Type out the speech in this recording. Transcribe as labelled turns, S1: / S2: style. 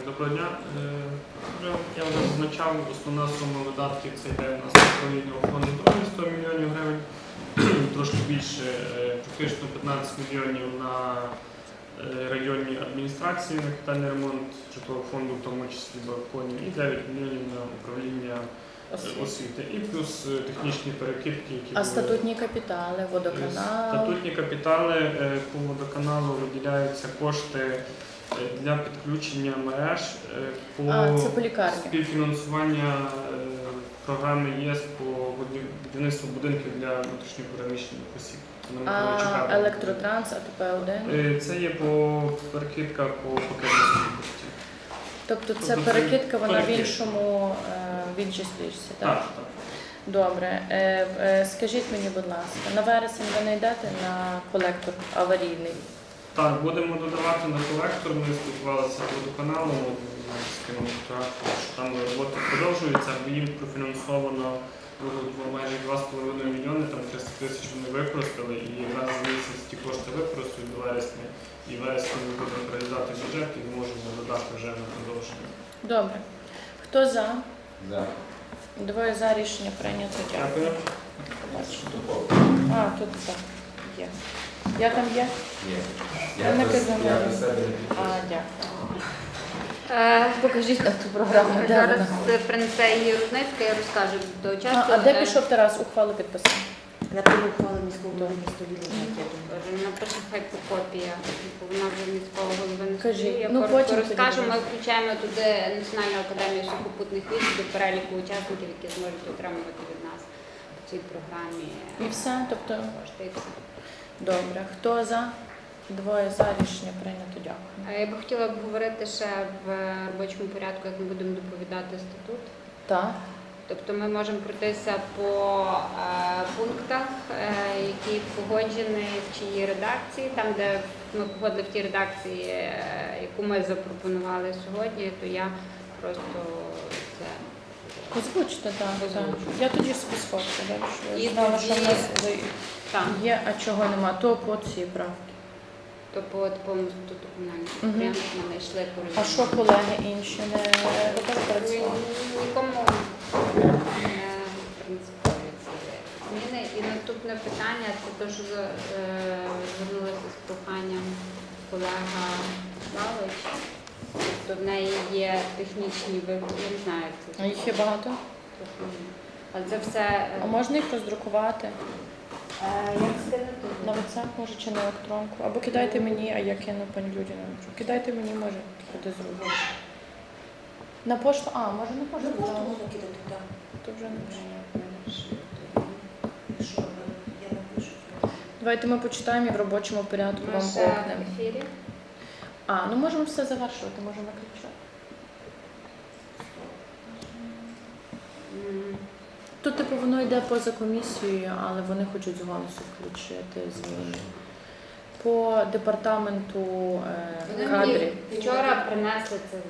S1: Доброго дня. Я вже зазначав, основна сума видатків це йде у нас на управління охорони здоров'я 100 мільйонів гривень, трошки більше, практично 15 мільйонів на районні адміністрації, на капітальний ремонт житлового фонду, в тому числі балконів, і 9 мільйонів на управління освіти. І плюс технічні перекидки, які
S2: А статутні капітали, водоканал?
S1: Статутні капітали по водоканалу виділяються кошти для підключення мереж
S2: Це по лікарні.
S1: співфінансування програми ЄС по будівництву будинків для внутрішньопереміщених осіб.
S2: А електротранс, АТП-1?
S1: Це є по перекидка по пакетності коштів.
S2: Тобто це перекидка, вона в в іншій стрічці, так?
S1: Так.
S2: Добре. Скажіть мені, будь ласка, на вересень ви не йдете на колектор аварійний?
S1: Так, будемо додавати на колектор. Ми спілкувалися з водоканалом, з ким що там робота продовжується, їм профінансовано майже 2,5 мільйони, там 300 тисяч вони використали, і раз в місяць ті кошти використають до вересня, і вересня ми будемо переглядати бюджет і зможемо додати вже на продовження.
S2: Добре. Хто за?
S3: За.
S2: Двоє за, рішення прийнято. Дякую. А, тут так. Є. Я там є?
S3: Є.
S2: Я не казала.
S3: Я без себе не підписую.
S2: Дякую. Покажіть нам ту програму. Де
S4: Зараз
S2: вона?
S4: принесе її Рудницька, я розкажу до часу.
S2: А де пішов Тарас? Ухвалу підписав?
S5: На тому ухвали міського голови міста Вінниці.
S4: Напише хай по копія, бо вона вже міського голови не
S2: Кажіть.
S4: стоїть. Я
S2: Ну, потім
S4: розкажу,
S2: тоді.
S4: ми включаємо туди Національну академію сухопутних військ до переліку учасників, які зможуть отримувати від нас в цій програмі
S2: І все? Тобто,
S4: кошти. І все.
S2: добре. Хто за? Двоє за, рішення прийнято. Дякую.
S4: Я би хотіла обговорити ще в робочому порядку, як ми будемо доповідати статут.
S2: Так.
S4: Тобто ми можемо пройтися по пунктах, які погоджені в чиїй редакції, там, де ми погодили в тій редакції, яку ми запропонували сьогодні, то я просто це
S2: Озвучте, так.
S4: Озвучу.
S2: Я тоді собі сфоткаю, так, що
S4: І
S2: я знала,
S4: тоді-
S2: що в нас
S4: там,
S2: є, а чого нема. То по цій правді.
S4: то по такому статуту комунального
S2: Мгм.
S4: підприємства ми йшли по
S2: А що колеги інші не робили працювали?
S4: Нікому не принципові ці зміни. І наступне питання це те, що звернулася з проханням колега Славич. Тобто в неї є технічні вибори, я не знаю, як це
S2: А їх є багато?
S4: але це все
S2: А можна їх роздрукувати?
S4: як скинути?
S2: На WhatsApp, може, чи на електронку? Або кидайте мені, а я кину пані Людіну. Кидайте мені, може, куди зробити. На пошту? А, може на пошту?
S5: Ну, просто
S2: Так.
S5: можна кидати, так.
S2: То вже не пишу.
S5: Якщо я напишу.
S2: Давайте ми почитаємо і в робочому порядку
S4: Ми
S2: вам
S4: ще
S2: окнемо.
S4: в ефірі.
S2: А, ну можемо все завершувати, можемо виключати.
S4: М,
S2: Тут, типу, воно йде поза комісією, але вони хочуть з голосу включити зміни. По департаменту
S4: Вони
S2: кадрів.
S4: мені вчора принесли це